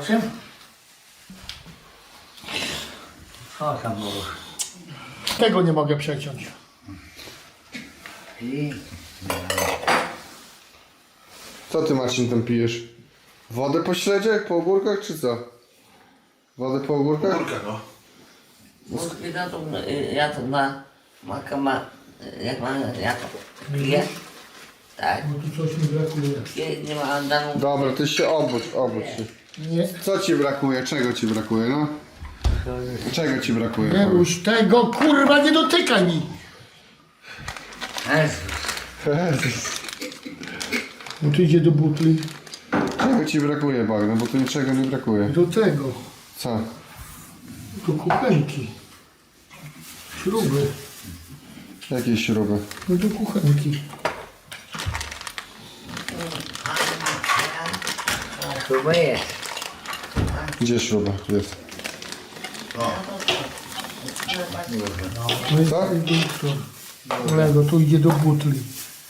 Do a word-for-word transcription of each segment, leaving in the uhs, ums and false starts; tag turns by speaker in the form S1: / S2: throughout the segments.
S1: czym? Co tam było?
S2: Tego nie mogę przeciąć.
S1: I...
S3: Co ty, Marcin, tam pijesz? Wodę po śledziach, po ogórkach, czy co? Wodę po ogórkach?
S4: Kurka, no.
S1: Mózgi na to, y, ja to na maka ma, y, jak ma, ja to piję. Tak,
S2: No tu coś mi brakuje.
S1: piję, nie ma andanu.
S3: Dobra, ty się obudź, obudź się.
S2: Nie.
S3: Co ci brakuje? Czego ci brakuje, no? Czego ci brakuje?
S2: Nie już tego, kurwa, nie dotykaj mi.
S1: Jezus.
S3: Jezus.
S2: No tu idzie do butli.
S3: Czego ci brakuje, Bagno? Bo tu niczego nie brakuje.
S2: Do tego.
S3: Co?
S2: Do kuchenki. Śruby.
S3: Jakie śruby?
S2: No do kuchenki.
S1: Chyba jest.
S3: Gdzie śruba? Jest.
S2: No i
S3: Co?
S2: Lego, tu idzie do butli.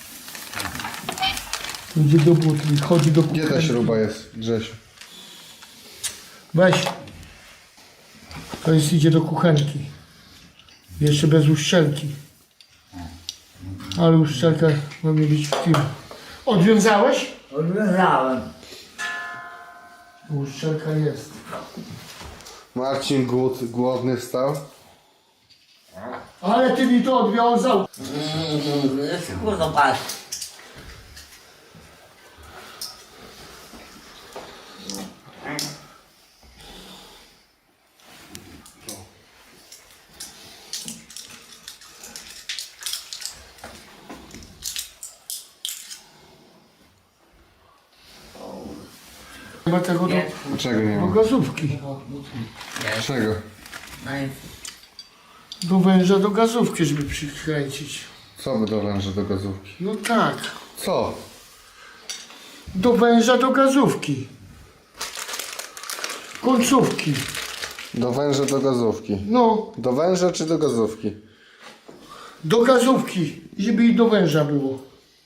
S2: Tu idzie do butli, chodzi do
S3: Gdzie ta
S2: kuchenki.
S3: śruba jest, Grzesiu?
S2: Weź. To jest idzie do kuchenki. Jeszcze bez uszczelki. Ale uszczelka ma mi być w tym. Odwiązałeś?
S1: Odwiązałem.
S2: Uszczelka jest.
S3: Marcin głód, głodny wstał?
S2: Ale ty mi to odwiązał.
S1: Kurwa, patrz.
S2: Nie ma tego do,
S1: Nie.
S3: Czego nie
S2: do
S3: ma?
S2: gazówki.
S3: Czego?
S2: Do węża do gazówki, żeby przykręcić.
S3: Co by do węża do gazówki?
S2: No tak.
S3: Co?
S2: Do węża do gazówki. Końcówki.
S3: Do węża do gazówki.
S2: No,
S3: Do węża czy do gazówki?
S2: do gazówki. Żeby i do węża było.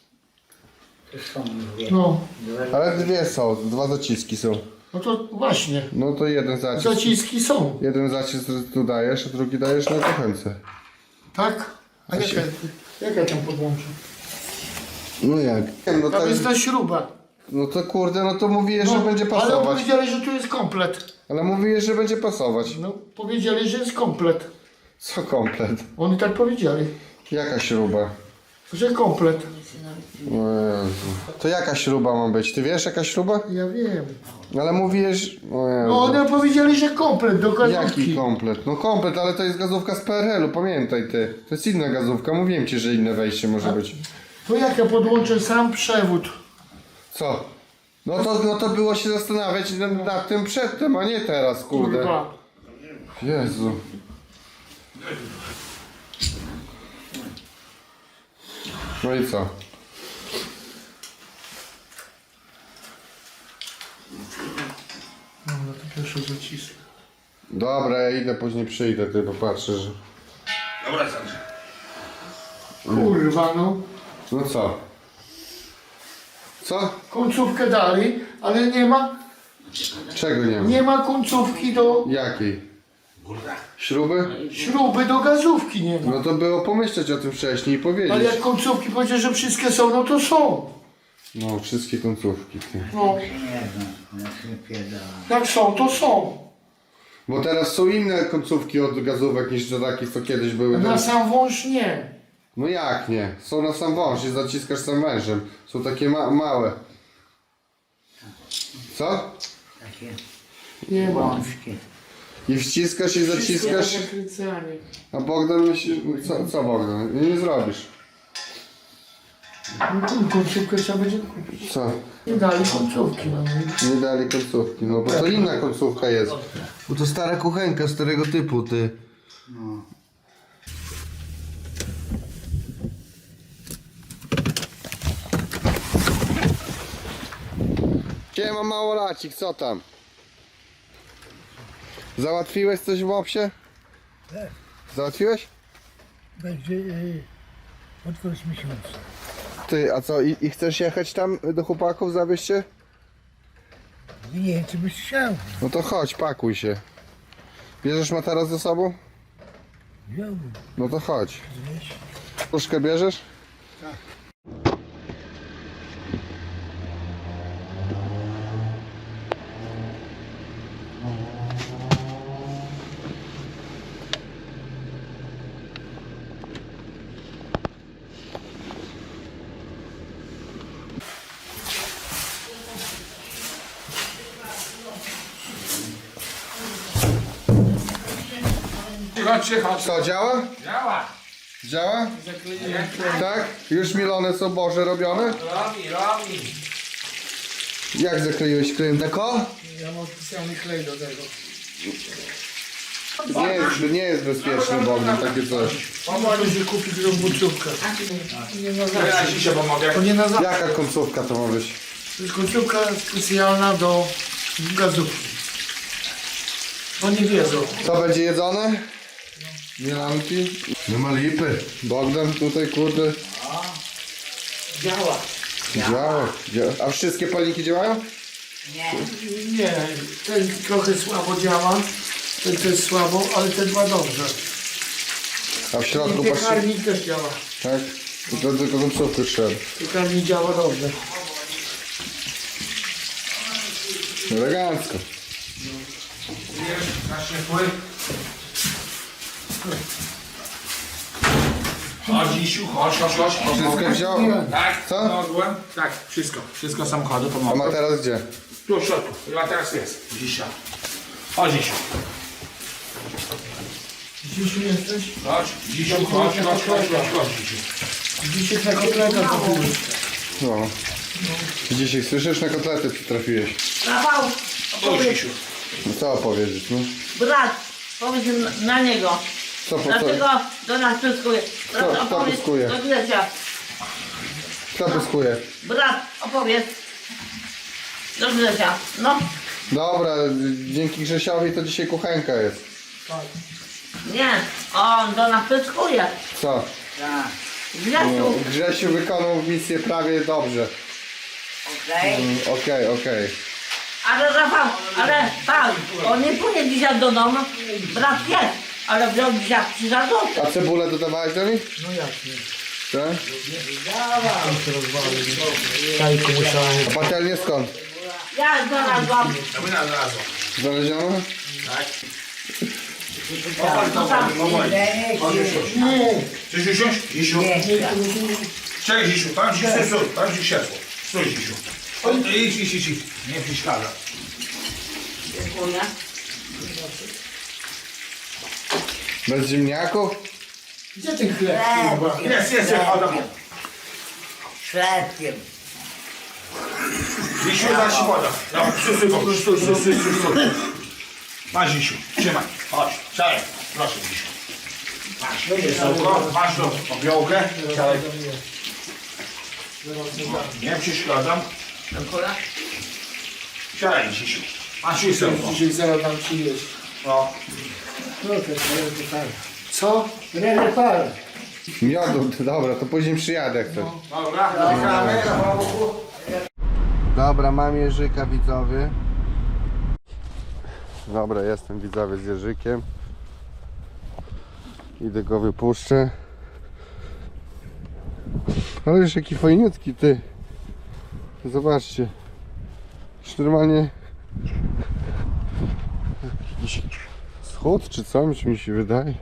S2: No.
S3: Ale dwie są, dwa zaciski są.
S2: No to właśnie.
S3: No to jeden zacisk.
S2: Zaciski są.
S3: Jeden zacisk tu dajesz, a drugi dajesz na kuchence.
S2: Tak? A jaka, jaka tam podłączę?
S3: No jak? No,
S2: Tam
S3: tak,
S2: jest ta śruba.
S3: no to kurde, no to mówiłeś, że
S2: No,
S3: będzie
S2: ale
S3: pasować.
S2: powiedzieli, że tu jest komplet.
S3: Ale mówiłeś, że będzie pasować.
S2: No, powiedzieli, że jest komplet.
S3: Co komplet?
S2: Oni tak powiedzieli,
S3: Jaka śruba?
S2: że komplet.
S3: O Jezu. To jaka śruba ma być? Ty wiesz jaka śruba?
S2: Ja wiem.
S3: Ale mówiłeś... O Jezu.
S2: No, oni powiedzieli, że komplet do
S3: Jaki
S2: gazówki.
S3: komplet? No komplet, ale to jest gazówka z P R L u, pamiętaj ty. To jest inna gazówka, mówiłem ci, że inne wejście może być.
S2: To jak ja podłączę sam przewód?
S3: Co? No to, no to było się zastanawiać nad, nad tym przedtem, a nie teraz, kurde.
S2: Kurwa.
S3: Jezu. No i co?
S2: No, to pierwszy zacisk.
S3: Dobra, ja idę, później przyjdę, ty popatrzę, że...
S4: Dobra, Sandrze.
S2: Kurwa, no.
S3: No co? Co?
S2: Końcówkę dali, ale nie ma,
S3: Czego nie ma?
S2: nie ma końcówki do
S3: Jakiej?
S4: Kurka.
S3: Śruby?
S2: śruby, do gazówki nie ma.
S3: No to było pomyśleć o tym wcześniej i
S2: Ale
S3: powiedzieć.
S2: jak końcówki powiedział, że wszystkie są, no to są.
S3: No, wszystkie końcówki. Ty.
S2: No, jak są, to są.
S3: Bo teraz są inne końcówki od gazówek niż do takich, co kiedyś były.
S2: Na
S3: Teraz...
S2: sam wąż nie.
S3: No jak nie? Są na sam wąż i zaciskasz sam wężem. Są takie ma małe. Co?
S1: Takie
S2: Nie ma.
S1: wąskie.
S3: I wciskasz i zaciskasz.
S2: Wszystko zakręcanie.
S3: A Bogdan myśli... Co, co Bogdan? Nie, nie zrobisz.
S2: No tu końcówkę trzeba będzie kupić.
S3: Co?
S2: Nie dali końcówki. No.
S3: Nie dali końcówki, no bo to inna końcówka jest. Bo to stara kuchenka starego typu, ty.
S1: No.
S3: Siema małolacik, co tam? Załatwiłeś coś w mopsie?
S5: Tak.
S3: Załatwiłeś?
S5: Będzie y, pod koniec miesiąca.
S3: Ty, a co, i, i chcesz jechać tam do chłopaków, zawieźć się?
S5: Nie wiem, czy byś chciał.
S3: No to chodź, pakuj się. Bierzesz materac ze sobą?
S5: Wziąłbym.
S3: No to chodź. Puszkę bierzesz?
S6: Cicho, cicho.
S3: Co, działa?
S6: Działa.
S3: Działa? Tak? Już milone są boże robione?
S6: Robi, robi.
S3: Jak zakleiłeś klejem deko?
S2: Ja mam specjalny klej do tego.
S3: Nie jest, nie jest bezpieczny Bogdan, takie coś.
S2: Pomogę się kupić robotówkę. Nie na
S6: Ja
S2: zawsze.
S6: ci się pomogę.
S2: To nie na zawsze.
S3: Jaka końcówka to ma być?
S2: To jest końcówka specjalna do gazówki. Oni wiedzą.
S3: Co będzie jedzone? Mielanki? Nie ma lipy. Bogdan tutaj kurde
S2: Działa.
S3: działa. działa. A wszystkie palniki działają?
S1: Nie.
S2: Nie, ten trochę słabo działa. Ten też słabo, ale te dwa dobrze.
S3: A w środku
S2: I
S3: patrz.
S2: piekarnik też działa.
S3: Tak? I to tylko końcówkę trzeba.
S2: Piekarnik działa dobrze.
S3: Elegancko.
S6: Na ciepły. Chodź, Isiu, chodź, chodź, chodź.
S3: Wszystko wziął?
S6: Tak,
S3: Co?
S6: mogłem? Tak, wszystko. Wszystko samochodu
S3: A
S6: pomogę.
S3: ma teraz gdzie?
S6: Tu w środku. Chyba teraz jest. Dzisiaj. Chodź, Isiu.
S2: Dzisiu jesteś?
S6: Chodź, Isiu, chodź, chodź, chodź, chodź, chodź, Isiu.
S2: Dzisiaj na kotleta trafiłeś.
S3: No. Dzisiaj słyszysz, na kotlety przytrafiłeś.
S1: Rafał,
S6: Chodź,
S1: opowiedz,
S6: Isiu.
S3: No co opowiedzieć, no?
S1: brat, powiedz na- na niego.
S3: Co po co?
S1: Dlaczego do nas pyskuje? Brat,
S3: Kto- kto
S1: opowiedz
S3: pyskuje?
S1: do Grzesia.
S3: Kto pyskuje?
S1: Brat, opowiedz do Grzesia. No,
S3: Dobra, dzięki Grzesiowi to dzisiaj kuchenka jest.
S1: nie, on do nas pyskuje.
S3: Co?
S1: Grzesiu,
S3: Grzesiu wykonał misję prawie dobrze.
S1: okej.
S3: Mm, Okej, okej.
S1: Ale Rafał, ale tak, on nie pójdzie dzisiaj do domu. Brat jest, ale wziął dzisiaj trzy złote.
S3: A cebulę dodawałeś do nich?
S2: No jak nie.
S3: Tak?
S2: Jajko musiałem.
S3: A patelnię skąd?
S1: Ja znalazłam.
S6: A my znalazło.
S3: Znaleziono?
S1: No tam,
S6: Chcesz usiąść? Isiu. Cześć, Isiu. Tam ci stój, stój. Tam ci siedzło. Stój, Isiu. O, idź, idź, idź, idź. Nie przeszkadza.
S1: dziękuję.
S3: Bez ziemniaków?
S2: Gdzie ten chleb? kurwa?
S6: Jest, jest, jest. O, dobra.
S1: Szlepkiem.
S6: Isiu, zaś ci woda. Dobra, stój, stój, stój, stój, stój, stój, stój, stój. Masz, Isiu. Trzymaj. Chodź. Siadaj. Proszę, Isiu. Masz. Krzesełko. Masz tą obiołkę. Siadaj. Nie przeszkadzam.
S1: Dziękuję.
S6: Siadaj, Isiu. Masz krzesełko.
S2: Dzisiaj zaraz dam ci jeść.
S6: No.
S2: No to jest tak. Co? Rene par.
S3: Miodu, dobra, to później przyjadę jak chcesz.
S6: Dobra, czekamy.
S3: Dobra, mam Jerzyka, widzowie. Dobra, jestem widzowie z Jerzykiem. Idę go wypuszczę. Ale już jaki fajniutki ty. Zobaczcie. Już normalnie jakiś schód czy coś mi się wydaje.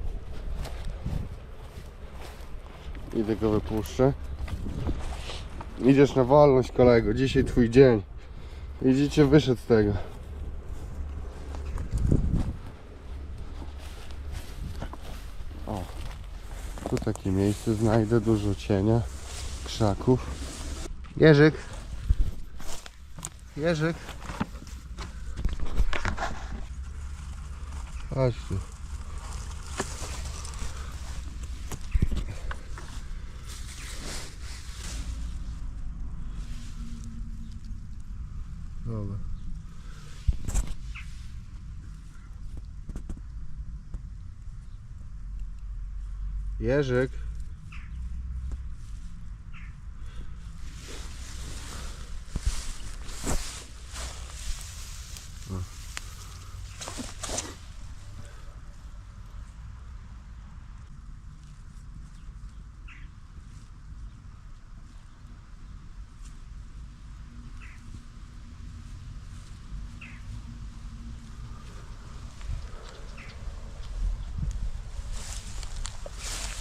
S3: Idę go wypuszczę. Idziesz na wolność, kolego. Dzisiaj twój dzień. Widzicie, wyszedł z tego. O. Tu takie miejsce znajdę, dużo cienia, krzaków. Jerzyk. Jerzyk. Chodź tu. Dobra. Jerzyk.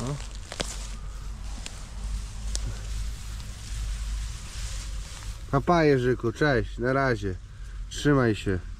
S3: Papa Jerzyku, cześć, na razie. Trzymaj się.